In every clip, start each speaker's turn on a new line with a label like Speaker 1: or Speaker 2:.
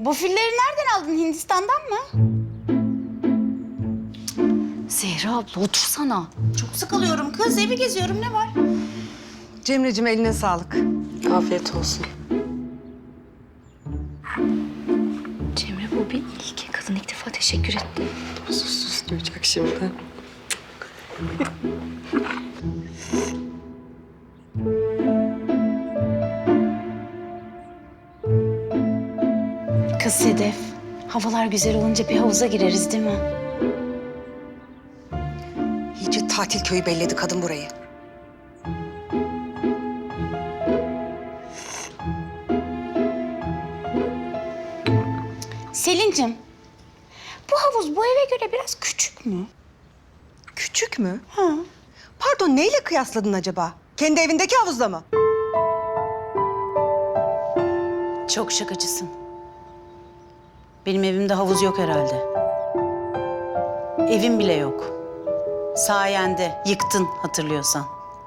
Speaker 1: Bu filleri nereden aldın? Hindistan'dan mı?
Speaker 2: Zehra abla otursana.
Speaker 1: Çok sıkılıyorum kız. Evi geziyorum. Ne var?
Speaker 3: Cemre'cim eline sağlık.
Speaker 4: Afiyet olsun.
Speaker 2: Cemre bu bir ilk. Kadın ilk defa teşekkür etti.
Speaker 4: Sus duyacak şimdi.
Speaker 1: Kız Sedef. Havalar güzel olunca bir havuza gireriz değil mi?
Speaker 3: İyice tatil köyü belledi kadın burayı.
Speaker 1: Selin'cim. Bu havuz bu eve göre biraz küçük mü?
Speaker 3: Küçük mü?
Speaker 1: Ha.
Speaker 3: Pardon, neyle kıyasladın acaba? Kendi evindeki havuzla mı?
Speaker 1: Çok şakacısın. Benim evimde havuz yok herhalde. Evim bile yok. Sayende yıktın hatırlıyorsan.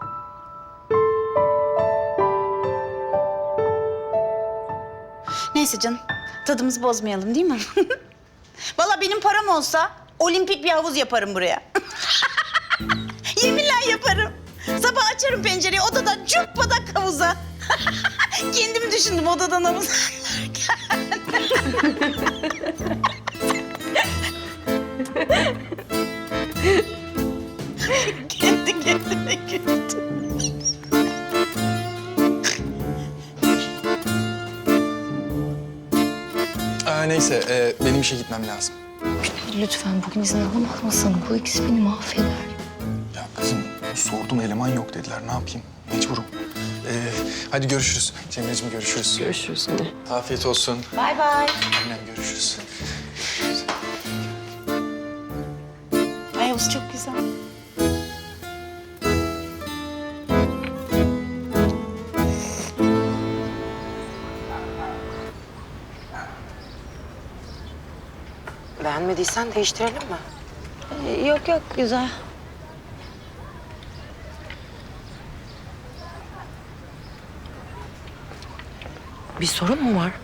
Speaker 1: Neyse canım, tadımızı bozmayalım değil mi? Vallahi benim param olsa olimpik bir havuz yaparım buraya. Yeminle yaparım. Sabah açarım pencereyi, odadan cuppadak havuza. Kendimi düşündüm odadan havuza. Kendi kendime güldüm.
Speaker 5: Neyse, benim işe gitmem lazım.
Speaker 2: Lütfen bugün izin alamazsın. Bu ikisi beni mahveder.
Speaker 5: Ya kızım, sordum eleman yok dediler. Ne yapayım? Mecburum. Hadi görüşürüz. Cemre'ciğim görüşürüz.
Speaker 4: Görüşürüz yine.
Speaker 5: Afiyet olsun.
Speaker 1: Bay bay.
Speaker 5: Annem görüşürüz.
Speaker 1: Ay havuz çok güzel.
Speaker 4: Beğenmediysen değiştirelim mi?
Speaker 2: Yok yok güzel.
Speaker 4: Bir sorun mu var?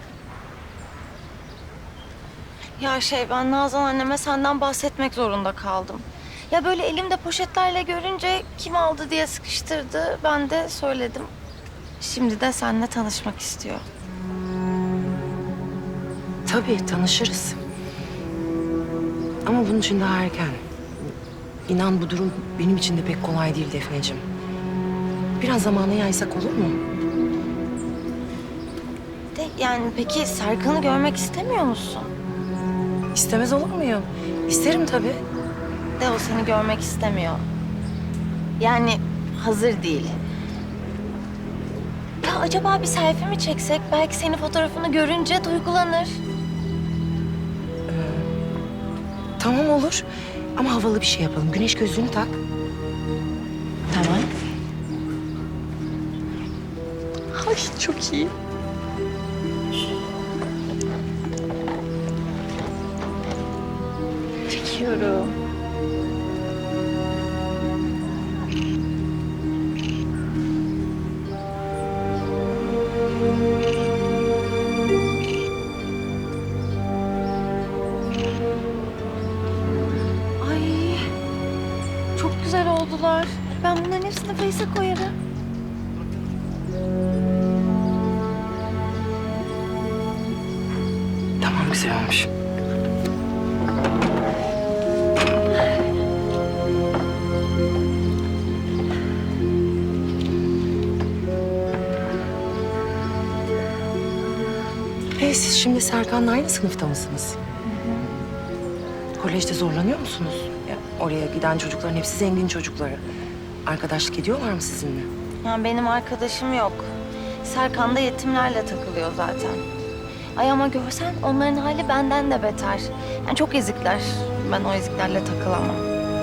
Speaker 6: Ya ben Nazan anneme senden bahsetmek zorunda kaldım. Ya böyle elimde poşetlerle görünce kim aldı diye sıkıştırdı. Ben de söyledim. Şimdi de seninle tanışmak istiyor.
Speaker 4: Tabii tanışırız. Ama bunun için daha erken. İnan bu durum benim için de pek kolay değil Defneciğim. Biraz zamanı yaysak olur mu?
Speaker 6: Yani peki Serkan'ı görmek istemiyor musun?
Speaker 4: İstemez olur muyum? İsterim tabii.
Speaker 6: De o seni görmek istemiyor. Yani hazır değil. Ya acaba bir selfie mi çeksek? Belki senin fotoğrafını görünce duygulanır.
Speaker 4: Tamam olur. Ama havalı bir şey yapalım. Güneş gözlüğünü tak.
Speaker 6: Tamam.
Speaker 4: Ay çok iyi.
Speaker 6: Çekiyorum. Ay, çok güzel oldular. Ben bunların hepsini Face'e koyarım.
Speaker 4: Tamam güzel olmuş. Siz şimdi Serkan'la aynı sınıfta mısınız? Kolejde zorlanıyor musunuz? Ya, oraya giden çocukların hepsi zengin çocukları. Arkadaşlık ediyorlar mı sizinle?
Speaker 6: Yani benim arkadaşım yok. Serkan da yetimlerle takılıyor zaten. Ay ama görsen onların hali benden de beter. Yani çok ezikler. Ben o eziklerle takılamam.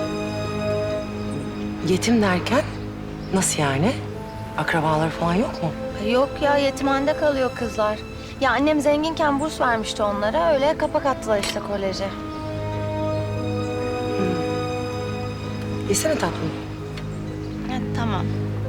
Speaker 4: Yetim derken nasıl yani? Akrabaları falan yok mu?
Speaker 6: Yok ya yetimhanede kalıyor kızlar. Ya annem zenginken burs vermişti onlara. Öyle kapak attılar işte koleje.
Speaker 4: Yesene tatlım.
Speaker 6: Ha, tamam.